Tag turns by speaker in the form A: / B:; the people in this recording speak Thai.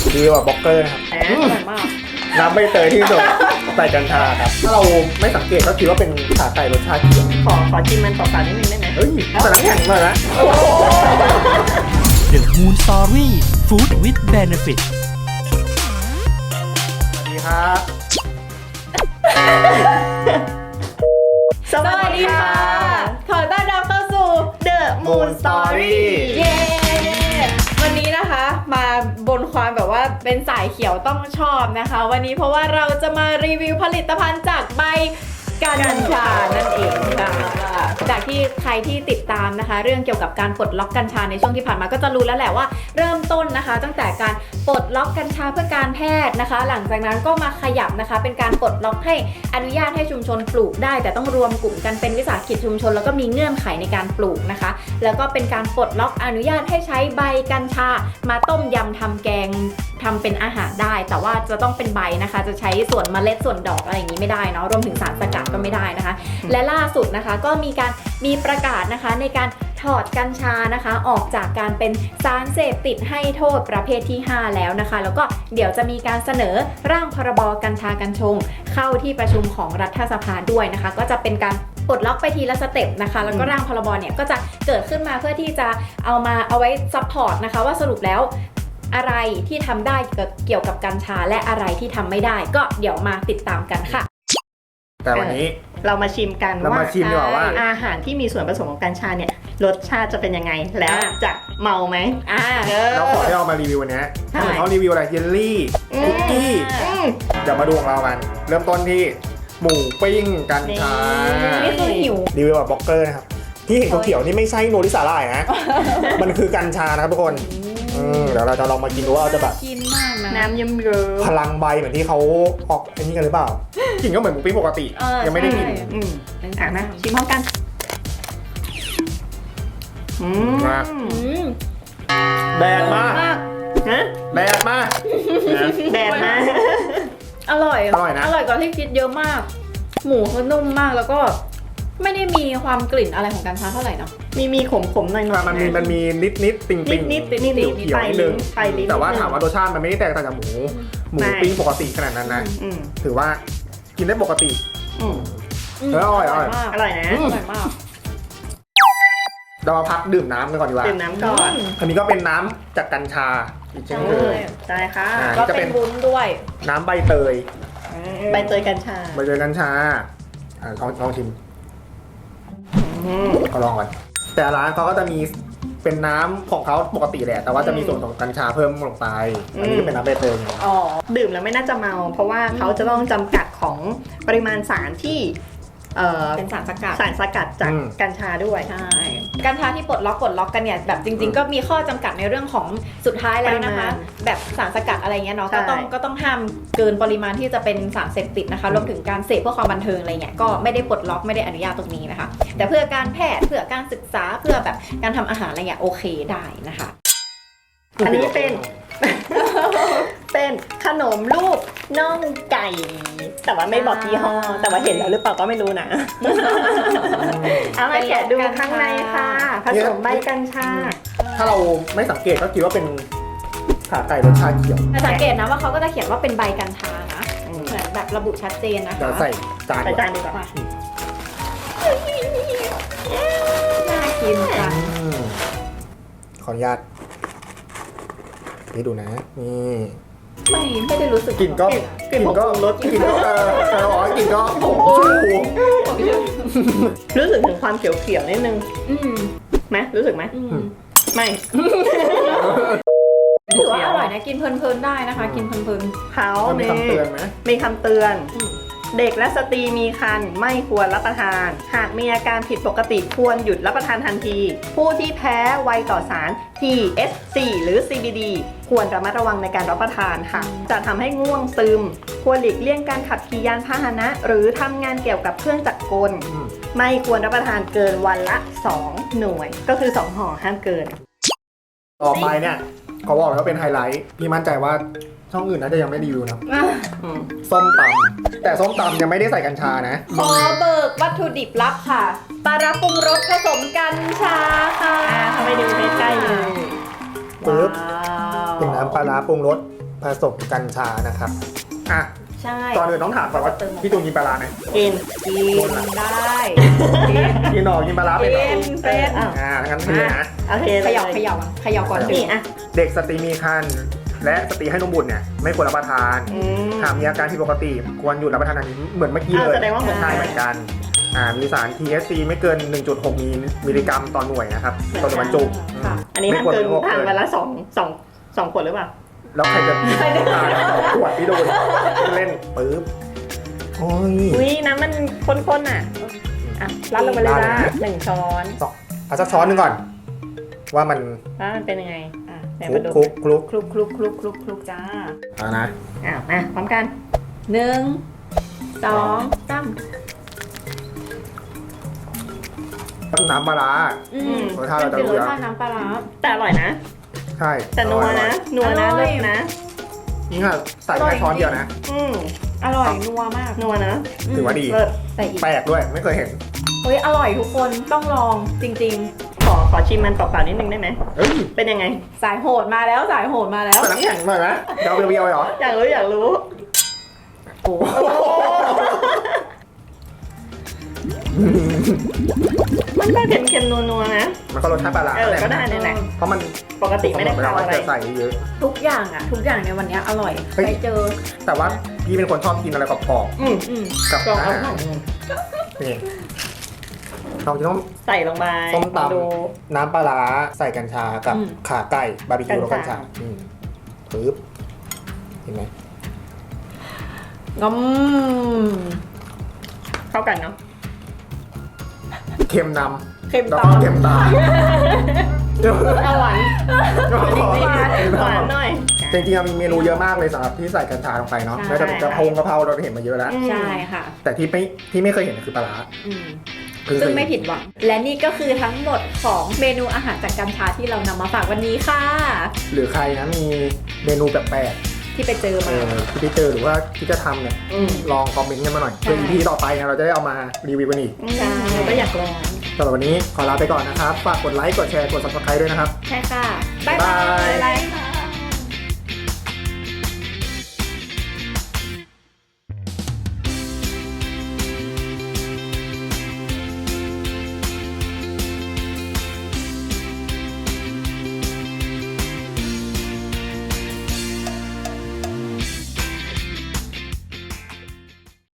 A: ดีกว่าบล็อกเกอร์นะครับ
B: อร่อยมาก
A: น้ำใบเตยที่สุดใส่กัญชาครับถ้าเราไม่สังเกตก็คิดว่าเป็นขาไก่รสชาติเขียว
B: ขอชิมมันเปล่าๆนิดนึงได้ไหม
A: เฮ้ยแต่น้ำแข็งมานะ
C: The Moon Story Food with Benefit
A: สวัสดีครับ
B: สวัสดีค่ะ ขอต้อนรับเข้าสู่ The Moon Story เย้ วันนี้นะคะมาบนความแบบว่าเป็นสายเขียวต้องชอบนะคะ วันนี้เพราะว่าเราจะมารีวิวผลิตภัณฑ์จากใบกัญชานั่นเองค่ะจากที่ใครที่ติดตามนะคะ เรื่องเกี่ยวกับการปลดล็อกกัญชาในช่วงที่ผ่านมาก็จะรู้แล้วแหละว่าเริ่มต้นนะคะ ตั้งแต่การปลดล็อกกัญชาเพื่อการแพทย์นะคะ หลังจากนั้นก็มาขยับนะคะเป็นการปลดล็อกให้อนุญาตให้ชุมชนปลูกได้ แต่ต้องรวมกลุ่มกันเป็นวิสาหกิจชุมชนแล้วก็มีเงื่อนไขในการปลูกนะคะ แล้วก็เป็นการปลดล็อกอนุญาตให้ใช้ใบกัญชามาต้มยำทำแกงทำเป็นอาหารได้ แต่ว่าจะต้องเป็นใบนะคะจะใช้ส่วนเมล็ดส่วนดอกอะไรอย่างนี้ไม่ได้เนาะรวมถึงสารสกัดก็ไม่ได้นะคะ และล่าสุดนะคะก็มีประกาศนะคะในการถอดกัญชานะคะออกจากการเป็นสารเสพติดให้โทษประเภทที่ 5 แล้วนะคะแล้วก็เดี๋ยวจะมีการเสนอร่างพรบกัญชากัญชงเข้าที่ประชุมของรัฐสภาด้วยนะคะก็จะเป็นการปลดล็อกไปทีละสเต็ปนะคะแล้วก็ร่างพรบเนี่ยก็จะเกิดขึ้นมาเพื่อที่จะเอาไว้ซัพพอร์ตนะคะว่าสรุปแล้วอะไรที่ทำได้เกี่ยวกับกัญชาและอะไรที่ทำไม่ได้ก็เดี๋ยวมาติดตามกันค่ะ
A: แต่วันนี้
B: เรามาชิมกัน
A: เรามาชิมดีกว่าว่า
B: อาหารที่มีส่วนผสมของกัญชาเนี่ยรสชาติจะเป็นยังไงแล้วจะเมาไหม
A: แล้วขอที่เรามารีวิววันนี้ถ้าเหมือนเขารีวิวอะไรเยลลี่คุกกี้เดี๋ยวมาดูของเรากันเริ่มต้นที่หมูปิ้งกัญชา
B: นี่คือหิว
A: รีวิวแบบบล็อกเกอร์นะครับที่เห็นเขียวๆนี่ไม่ใช่โนริสาหร่ายนะ มันคือกัญชานะครับทุกคนเดี๋ยวเราจะลองมากินดูว่าเราจะแบบ
B: กินมากนะน้ำเยิ้มเย
A: พลังใบเหมือนที่เขาออกอันนี้กันหรือเปล่ากินก็เหมือนหมูปิ้งปกติยังไม่ได้กิน
B: นะชิมพร้อมกัน
A: แดดมาก
B: นะ
A: แดดมาก
B: แดดมากอร่อยนะอร่อยกว่าที่คิดเยอะมากหมูเขานุ่มมากแล้วก็ไม่ได้มีความกลิ่นอะไรของกัญชาเท่าไหร่เนาะมีขมๆหน่อยๆ
A: มันมีนิดติ่ง
B: นิด
A: เขียวนิดนึงแต่ว่าถามว่ารสชาติมันไม่ได้แตกต่างจากหมูปิ้งปกติขนาดนั้นนะถือว่ากินได้ปกติอร่อย
B: นะอร่อยมาก
A: เรามาพักดื่มน้ำกันก่อนดีกว่า
B: ดื่มน้ำก่อน
A: อันนี้ก็เป็นน้ำจากกัญชาอีกเช่นเคย
B: ใช่ค่ะก็เป็นวุ้นด้วย
A: น้ำใบเตย
B: กัญชา
A: ลองชิมเขาลองก่อนแต่ร้านเขาก็จะมีเป็นน้ำของเขาปกติแหละแต่ว่าจะมีส่วนของกัญชาเพิ่มลงไปอันนี้ก็เป็นน้ำใบเตย
B: ดื่มแล้วไม่น่าจะเมาเพราะว่าเขาจะต้องจำกัดของปริมาณสารที่เป็นสารสกัดจากกัญชาด้วยใช่กัญชาที่ปลดล็อกกันเนี่ยแบบจริงๆก็มีข้อจำกัดในเรื่องของสุดท้ายแล้วนะคะแบบสารสกัดอะไรเงี้ยเนาะก็ต้องห้ามเกินปริมาณที่จะเป็นสารเสพติดนะคะรวมถึงการเสพเพื่อความบันเทิงอะไรเงี้ยก็ไม่ได้ปลดล็อกไม่ได้อนุญาตตรงนี้นะคะแต่เพื่อการแพทย์เพื่อการศึกษาเพื่อแบบการทำอาหารอะไรเงี้ยโอเคได้นะคะอันนี้เป็นขนมรูปน่องไก่แต่ว่าไม่บอกยี่ห้อแต่ว่าเห็นแล้วหรือเปล่าก็ไม่รู้นะเอามาแกะดูข้างในค่ะผสมใบกัญชา
A: ถ้าเราไม่สังเกตก็คิดว่าเป็นขาไก่รสชาติเขียว
B: แต่สังเกตนะว่าเขาก็จะเขียนว่าเป็นใบกัญชานะเหมือนแบบระบุชัดเจนนะคะ
A: เดี๋ยวใส่จาน
B: ดีกว่าน่ากินจัง
A: ขออนุญาตนี่ดูนะนี่
B: ไม่ได้รู้สึก
A: กลิ่นก็รสกลิ่นก็กลิ่นก็
B: รู้สึกถึงความเขียวๆนิดนึงไหมรู้สึกไหมไม่ถือว่าอร่อยนะกินเพลินๆได้นะคะกินเพลินๆเขา
A: มีคำเตือนไหม
B: มีคำเตือนเด็กและสตรีมีครรภ์ไม่ควรรับประทานหากมีอาการผิดปกติควรหยุดรับประทานทันทีผู้ที่แพ้ไวต่อสาร THC หรือ CBD ควรระมัดระวังในการรับประทานค่ะจะทำให้ง่วงซึมควรหลีกเลี่ยงการขับขี่ยานพาหนะหรือทำงานเกี่ยวกับเครื่องจักรกลไม่ควรรับประทานเกินวันละ2หน่วยก็คือ2ห่อห้ามเกิน
A: ต่อไปเนี่ยเขาบอกว่าเป็นไฮไลท์พี่มั่นใจว่าช่องอื่นน่าจะยังไม่รีวิวนะส้มตำแต่ส้มตำยังไม่ได้ใส่กัญชานะ
B: ขอเบิกวัตถุดิบลับค่ะปลาร้าปรุงรสผสมกัญชาค่ะทำไมดูใกล้ๆเลย
A: ปึ๊บเป็นน้ำปลาร้าปรุงรสผผสมกัญชานะครับอ่ะ
B: ใช่
A: ก่อนอื่นต้องถามก่อนว่าพี่ตูนกินปลาร้าไหม
B: กินได้กิน
A: กินหนอกินปลาร้าเป็นเหรอ
B: เป็น
A: งั้นเทนะ
B: โอเค
D: เขย่าเขย่าอ่ะเขย่าก่อน
B: นี่อ่ะ
A: เด็กสตรีมีครรภ์และสตรีให้นมบุตรเนี่ยไม่ควรรับประทาน หากมีอาการผิดปกติควรหยุดรับประทานอันนี้เหมือนเมื่อกี้เลย
B: แสดงว่าเหมือน
A: ใช่เหมือนกันมีสาร THC ไม่เกิน 1.6 มิลลิกรัมต่อหน่วยนะครับต่อหน่วยบรรจุ
D: ค่ะ
B: อันนี้ห้ามเกินทานวันละสองขวดหรือเปล่า
A: แล้วใครจะทานขวดที่โดนเล่นปึ๊บโอ้ย
B: อุ้ยน้ำมันข้นๆอ่ะ
D: อ่ะรัดลงไปเลยจ้า
B: 1 ช้อน
A: เอาสักช้อนหนึงก่อน ว่ามัน
B: แล้วมันเป็นยังไง
D: อ่ะ
B: ไหน
A: คลุ
B: มาก ดู
A: คลุกคลุก
D: คลุกคลุกคลุกคลุกคลุกจ้า
A: เอานะ
B: มาพร้อมกัน
D: 1 2 3
A: น้ำปลาร้า รสชาติเราจะรู้
D: ร
A: แล้
D: ส
A: ว
D: ชาติน้ำปลาร้า
B: แต่อร่อยนะ
A: ใช่
B: แต่นัวนะนัวนะ
D: อร่
B: เลิ
D: อย
B: ศนะ
A: นี่ค่ะใส่แค่ช้อนเดียวนะ
D: อร่อยนัวมาก
B: นัวนะ
A: ถือว่าดี
B: เลิศ
D: แต่อีก
A: แปลกด้วยไม่เคยเห็น
D: เฮ้ยอร่อยทุกคนต้องลองจริง
B: ขอชิมมันเปล่าๆนิดนึงได้ไหม
A: เอ้ย
B: เป็นยังไง
D: ๆ สายโหดมาแล้วสายโหดมาแล้ว
A: ใส่น้ำแข็งหน่อยไหมเดี๋ยวเอาเบียวๆเหรอ
B: อยากรู้
D: โอ้โห
B: มันก็เค็มๆนัวๆนะ
A: มันก็รสชาติปลาร้า
B: ก็ได้นี่แหละ
A: เพราะมัน
B: ปกติไม่ได้
A: เวลา
B: ทำ
A: ว่า
B: อะไร
A: จะใส่เยอะ
D: ทุกอย่างอ่ะ ทุกอย่างในวันนี้อร่อย
A: เฮ้ย
D: ไปเจอ
A: แต่ว่าพี่เป็นคนชอบกินอะไรกรอบ
B: อืม
A: ๆกับ
B: ลอง
A: อา
B: เอา
A: หารนี่เราจะต้อง
B: ใส่ลงไป
A: ส้มต
B: ดู
A: ำน้ำปลาร้าใส่กัญชากับ
D: อืม
A: ขาไก่บาร์บีคิวแล้ว
B: กั
A: กั
B: ญ
A: ญ
B: ชา
A: ชาปึ๊บเห็นไหม
D: อืม
B: เข้ากันเนาะ
A: เค็มนำ
D: เค็ม
A: แล้ว
D: ตา
A: ก็เค็มตาม
D: เอาหวาน
B: หวานหน่อย
A: จริงๆมีเมนูเยอะมากเลยสำหรับที่ใส่กัญชาลงไปเนาะ
D: ใช่
A: ไม่ว่าจะเป็นกระเพราเราเห็นมาเยอะแล้ว
D: ใช่ค่ะ
A: แต่ที่ไม่เคยเห็นคือปลาร้า
D: อืม
A: คือ
D: ซึ่งไม่ผิดหวัง และนี่ก็คือทั้งหมดของเมนูอาหารจากกัญชาที่เรานำมาฝากวันนี้ค่ะ
A: หรือใครนะมีเมนูแปลก
D: ที่ไปเจอ
A: ๆ
D: มา
A: ที่ไปเจอหรือว่าที่จะทำเนี่ยลองคอมเมนต์กันมาหน่อยเพื่อ EP ต่อไปเนี่ยเราจะได้เอามารีวิวกันอีก
D: ใช่
B: ก็อยากลอง
A: สำหรับวันนี้ขอลาไปก่อนนะครับ ฝากกดไลค์ กดแชร์ กด subscribe ด้วยนะครับ
D: ใช่ค่ะ
A: บ๊ายบาย
D: บ๊ายบายค่ะ